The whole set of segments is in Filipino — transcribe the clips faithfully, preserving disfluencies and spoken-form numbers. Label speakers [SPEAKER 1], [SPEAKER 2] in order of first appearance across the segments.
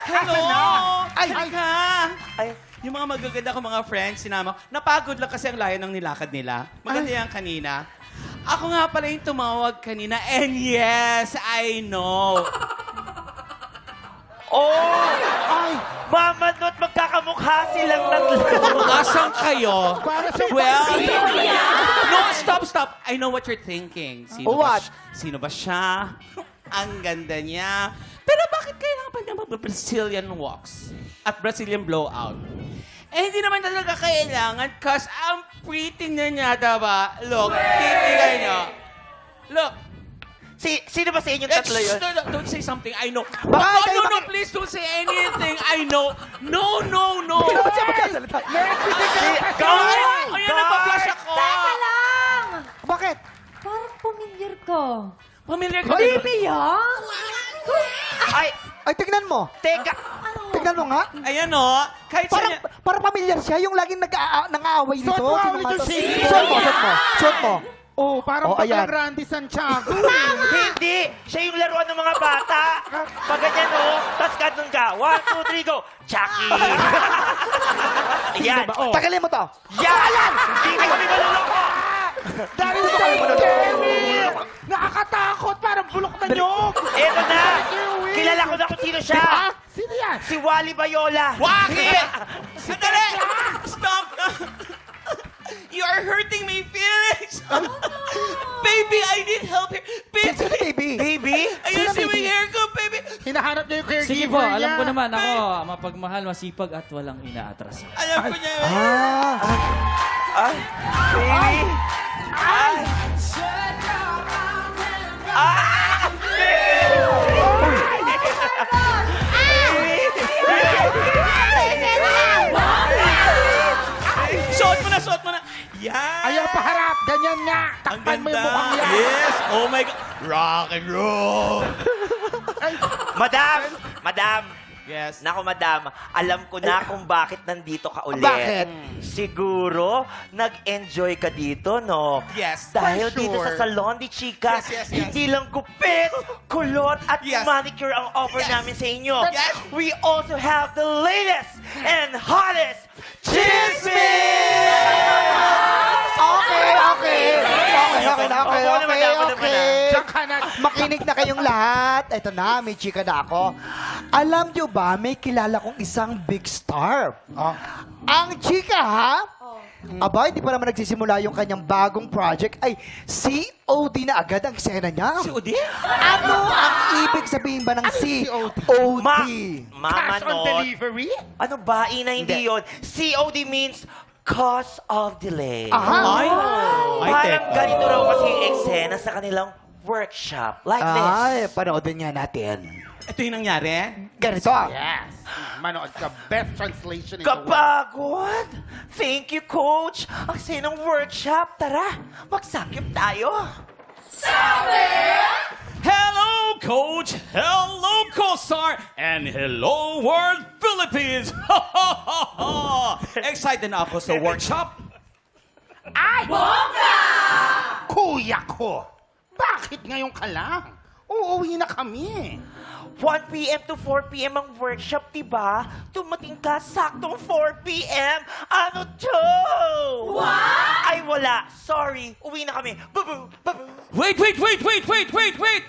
[SPEAKER 1] Hello!
[SPEAKER 2] Ay!
[SPEAKER 1] Ay! Ka!
[SPEAKER 2] Ay.
[SPEAKER 1] Yung mga magaganda ko mga friends, sinama ko. Napagod lang kasi ang layo ng nilakad nila. Maganda yan kanina. Ako nga pala yung tumawag kanina. And yes, I know.
[SPEAKER 2] Oh! Ay! Mama Not, magkakamukha silang tatlo.
[SPEAKER 1] Asan kayo?
[SPEAKER 3] Para sa
[SPEAKER 1] Well, no, stop, stop. I know what you're thinking. Sino
[SPEAKER 2] Oh,
[SPEAKER 1] ba,
[SPEAKER 2] what?
[SPEAKER 1] si- sino ba siya? Ang ganda niya. Pero bakit kailangan pa niya mag-Brazilian walks at Brazilian blowout? Eh, hindi naman talaga kailangan because ang pretty na niya, diba? Look, titigay niya. Look.
[SPEAKER 2] Si, sino ba sa inyong
[SPEAKER 1] Eh,
[SPEAKER 2] tatlo
[SPEAKER 1] shh,
[SPEAKER 2] yun?
[SPEAKER 1] no, no, don't say something. I know.
[SPEAKER 2] Bakit?
[SPEAKER 1] Oh,
[SPEAKER 2] Kayo
[SPEAKER 1] no, no,
[SPEAKER 2] bakit?
[SPEAKER 1] please don't say anything. I know. No, no, no.
[SPEAKER 2] Hindi naman siya magkasalita.
[SPEAKER 1] Guard!
[SPEAKER 2] Guard!
[SPEAKER 1] Ayan, nagpa-flash ako.
[SPEAKER 4] Teka lang!
[SPEAKER 3] Bakit?
[SPEAKER 4] Parang familiar ka.
[SPEAKER 1] Familiar ka.
[SPEAKER 4] Baby, ha?
[SPEAKER 2] Ay,
[SPEAKER 3] Ay, tignan mo.
[SPEAKER 2] teka.
[SPEAKER 3] Tignan mo nga.
[SPEAKER 1] Ayan o. Kahit sa
[SPEAKER 3] Parang, parang pamilyar siya, yung laging nag-aa- nang-aaway dito.
[SPEAKER 5] Suot mo,
[SPEAKER 3] Sino
[SPEAKER 5] ulit
[SPEAKER 3] nga
[SPEAKER 5] yung
[SPEAKER 3] to?
[SPEAKER 5] shade.
[SPEAKER 3] Suot mo, suot mo. Suot mo.
[SPEAKER 5] Oh, parang
[SPEAKER 3] Oh,
[SPEAKER 5] oh,
[SPEAKER 3] ayan.
[SPEAKER 5] Randy Santiago.
[SPEAKER 2] Hindi! Siya yung laruan ng mga bata. Pag ganyan, oh. Tapos ganun ka. One, two, three, go. Chucky! Yan.
[SPEAKER 5] ba? Oh.
[SPEAKER 3] Tagalin mo to.
[SPEAKER 2] Yan! Hindi ka kami maluloko!
[SPEAKER 5] That is so scary! Nakakatakot! Parang bulok na nyog!
[SPEAKER 2] Eto na! Kilala ko na kung sino siya.
[SPEAKER 5] Ah, sino yan?
[SPEAKER 2] Si Wally Bayola.
[SPEAKER 1] Bakit? Sandali! Stop! You are hurting my feelings! Baby, I need help here.
[SPEAKER 3] Sino,
[SPEAKER 1] Baby!
[SPEAKER 3] sino, baby?
[SPEAKER 2] Baby?
[SPEAKER 1] Ayun
[SPEAKER 3] Sino,
[SPEAKER 1] si
[SPEAKER 3] baby?
[SPEAKER 1] my hair ko, baby!
[SPEAKER 5] Hinahanap niya yung caregiver
[SPEAKER 6] Sige po, alam
[SPEAKER 5] niya.
[SPEAKER 6] ko naman ako, mapagmahal, masipag at walang inaatras.
[SPEAKER 1] Alam ko niya yun.
[SPEAKER 3] Ah.
[SPEAKER 2] Ay, baby. Ay. Ah!
[SPEAKER 1] Suot mo na, suot mo na. Yan!
[SPEAKER 5] Ayaw paharap! Ganyan nga!
[SPEAKER 1] Ang
[SPEAKER 5] Takpan mo yung
[SPEAKER 1] ganda.
[SPEAKER 5] mukhang yan!
[SPEAKER 1] Yes! Oh my God! Rock and roll!
[SPEAKER 2] Madam! Madam!
[SPEAKER 1] Yes.
[SPEAKER 2] Nako, madam, alam ko na kung bakit nandito ka ulit.
[SPEAKER 3] Bakit?
[SPEAKER 2] Siguro, nag-enjoy ka dito, no?
[SPEAKER 1] Yes,
[SPEAKER 2] Dahil
[SPEAKER 1] for
[SPEAKER 2] dito
[SPEAKER 1] sure.
[SPEAKER 2] sa Salon de Chica,
[SPEAKER 1] Yes, yes, yes.
[SPEAKER 2] hindi lang gupit, kulot, at
[SPEAKER 1] Yes.
[SPEAKER 2] manicure ang offer
[SPEAKER 1] Yes.
[SPEAKER 2] namin sa inyo.
[SPEAKER 1] Yes.
[SPEAKER 2] We also have the latest and hottest chismis!
[SPEAKER 3] Okay, okay. Okay, okay na, okay,
[SPEAKER 2] Opo naman,
[SPEAKER 3] okay,
[SPEAKER 2] opo naman,
[SPEAKER 3] okay.
[SPEAKER 5] Diyan ka na.
[SPEAKER 3] Makinig na kayong lahat. Ito na, may chika na ako. Alam nyo ba, may kilala kong isang big star.
[SPEAKER 5] Oh.
[SPEAKER 3] Ang chika, ha? Aba, hindi pa naman nagsisimula yung kanyang bagong project. Ay, C O D na agad ang eksena niya.
[SPEAKER 1] Si Udi?
[SPEAKER 3] Ano ang ibig sabihin ba ng C O D?
[SPEAKER 2] Ma Mama
[SPEAKER 5] Cash on
[SPEAKER 2] Not.
[SPEAKER 5] delivery?
[SPEAKER 2] Ano ba? Ina, hindi yun. C O D means cause of delay.
[SPEAKER 3] Aha.
[SPEAKER 1] Ay! Ay,
[SPEAKER 2] Parang
[SPEAKER 1] teka.
[SPEAKER 2] ganito raw kasi yung eksena sa kanilang workshop. Like
[SPEAKER 3] Ay,
[SPEAKER 2] this.
[SPEAKER 3] panoodin nga natin.
[SPEAKER 1] Ito yung nangyari?
[SPEAKER 3] Ganito.
[SPEAKER 5] Yes. Manood ka. Best translation in the world.
[SPEAKER 2] Kapagod! Thank you, Coach! Ang saya ng workshop. Tara, magsakip tayo.
[SPEAKER 1] Hello, Coach! Hello, Co-Star! And hello, World Philippines! Excited na ako sa workshop.
[SPEAKER 5] Kuya ko! Bakit ngayon ka lang? Uuwi na kami.
[SPEAKER 2] one p m to four p m ang workshop, diba? Tumating ka saktong four p m Ano to? What? Ay, wala. Sorry. Uwi na kami. Babu! Babu!
[SPEAKER 1] Wait, wait, wait, wait, wait, wait, wait!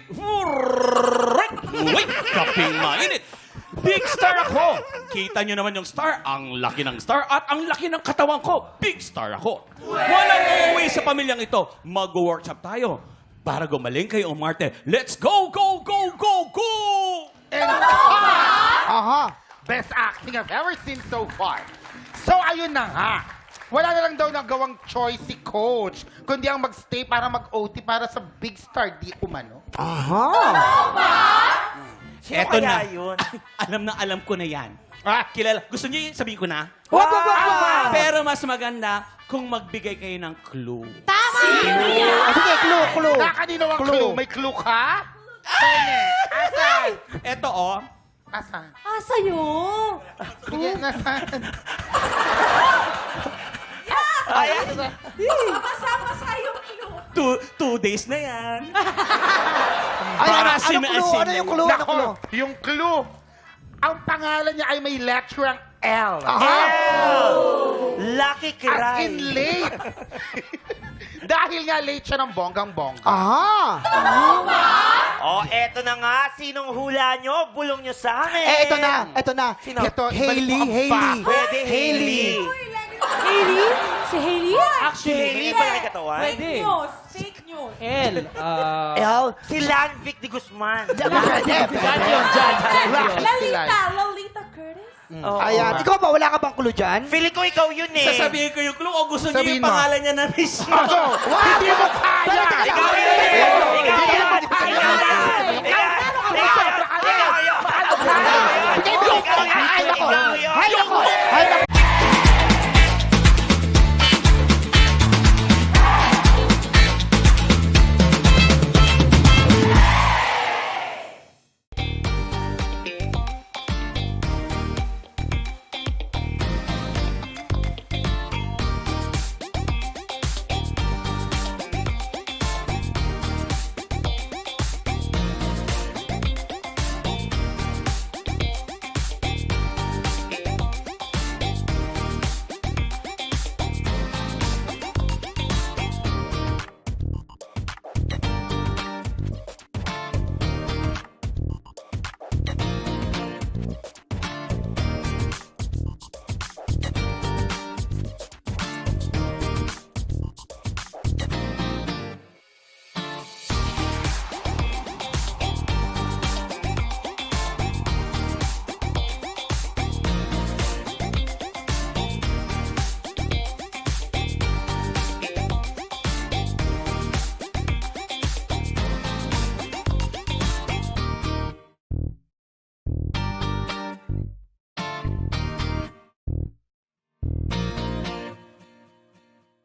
[SPEAKER 1] Wait, kaping mainit. Big star ako! Kita nyo naman yung star. Ang laki ng star at ang laki ng katawan ko. Big star ako. Walang uuwi sa pamilyang ito. Mag-workshop tayo. Para gumaling kayo, Marte. Let's go, go, go, go, go!
[SPEAKER 3] Aha.
[SPEAKER 5] Best acting I've ever seen so far. So, ayun na nga. Wala na lang daw nagawang choice si Coach, kundi ang magstay para mag-O T para sa big star di umano.
[SPEAKER 3] Aha.
[SPEAKER 2] Sino
[SPEAKER 1] Eto
[SPEAKER 2] kaya
[SPEAKER 1] na.
[SPEAKER 2] yun?
[SPEAKER 1] Alam na alam ko na yan.
[SPEAKER 5] Ah,
[SPEAKER 1] Kilala. Gusto niyo yun? Sabihin ko na?
[SPEAKER 3] Wag, wag, wag, wag.
[SPEAKER 1] Pero mas maganda kung magbigay kayo ng clue.
[SPEAKER 4] Tama!
[SPEAKER 3] Ah, sige, clue, clue.
[SPEAKER 5] Nakakanino ang
[SPEAKER 3] Clue.
[SPEAKER 5] clue? May clue ka? Pene. Asan?
[SPEAKER 1] Eto oh.
[SPEAKER 5] Asan?
[SPEAKER 4] Ah, sa'yo!
[SPEAKER 5] Sige, nasan?
[SPEAKER 2] Ay,
[SPEAKER 4] Kasama sa'yo, clue.
[SPEAKER 1] Two, two days na yan.
[SPEAKER 3] Ay, ano, ano
[SPEAKER 1] Asim,
[SPEAKER 3] clue?
[SPEAKER 1] asim.
[SPEAKER 3] Ano yung clue? Ano
[SPEAKER 5] Nako,
[SPEAKER 3] clue?
[SPEAKER 5] yung clue. ang pangalan niya ay may letter ng L.
[SPEAKER 3] Aha!
[SPEAKER 2] Lucky
[SPEAKER 5] As
[SPEAKER 2] Cry.
[SPEAKER 5] in late. Dahil nga late siya ng bonggang-bongga.
[SPEAKER 3] Aha!
[SPEAKER 2] Oh, eto na nga. Sinong hula nyo? Bulong nyo sa amin.
[SPEAKER 3] Eh, ito na, ito na.
[SPEAKER 2] Sino?
[SPEAKER 5] Ito, ibalik
[SPEAKER 3] Hailey,
[SPEAKER 5] mo ang
[SPEAKER 3] Hailey.
[SPEAKER 5] fact.
[SPEAKER 2] Pwede, Hailey.
[SPEAKER 4] Hailey? Si Hailey?
[SPEAKER 2] Si
[SPEAKER 6] Actually,
[SPEAKER 2] Hailey ba yung katawan?
[SPEAKER 6] pwede.
[SPEAKER 4] Fake news.
[SPEAKER 6] L. ah,
[SPEAKER 3] L.
[SPEAKER 2] Si Lanvic de Guzman.
[SPEAKER 3] Pwede, pwede.
[SPEAKER 6] Dyan yun, dyan, dyan yun.
[SPEAKER 4] Lalita. Lalita Curtis?
[SPEAKER 2] Oh.
[SPEAKER 3] Ayan. Ikaw ba, wala ka bang clue dyan?
[SPEAKER 2] Feeling ko ikaw yun eh.
[SPEAKER 1] Sasabihin ko yung clue o gusto niyo
[SPEAKER 5] Sabihin
[SPEAKER 1] yung
[SPEAKER 5] mo.
[SPEAKER 1] pangalan niya na mismo?
[SPEAKER 5] Ako, hindi mo kaya!
[SPEAKER 2] Ikaw yun! Ikaw yun! Ikaw yun! Ikaw yun! Ikaw yun!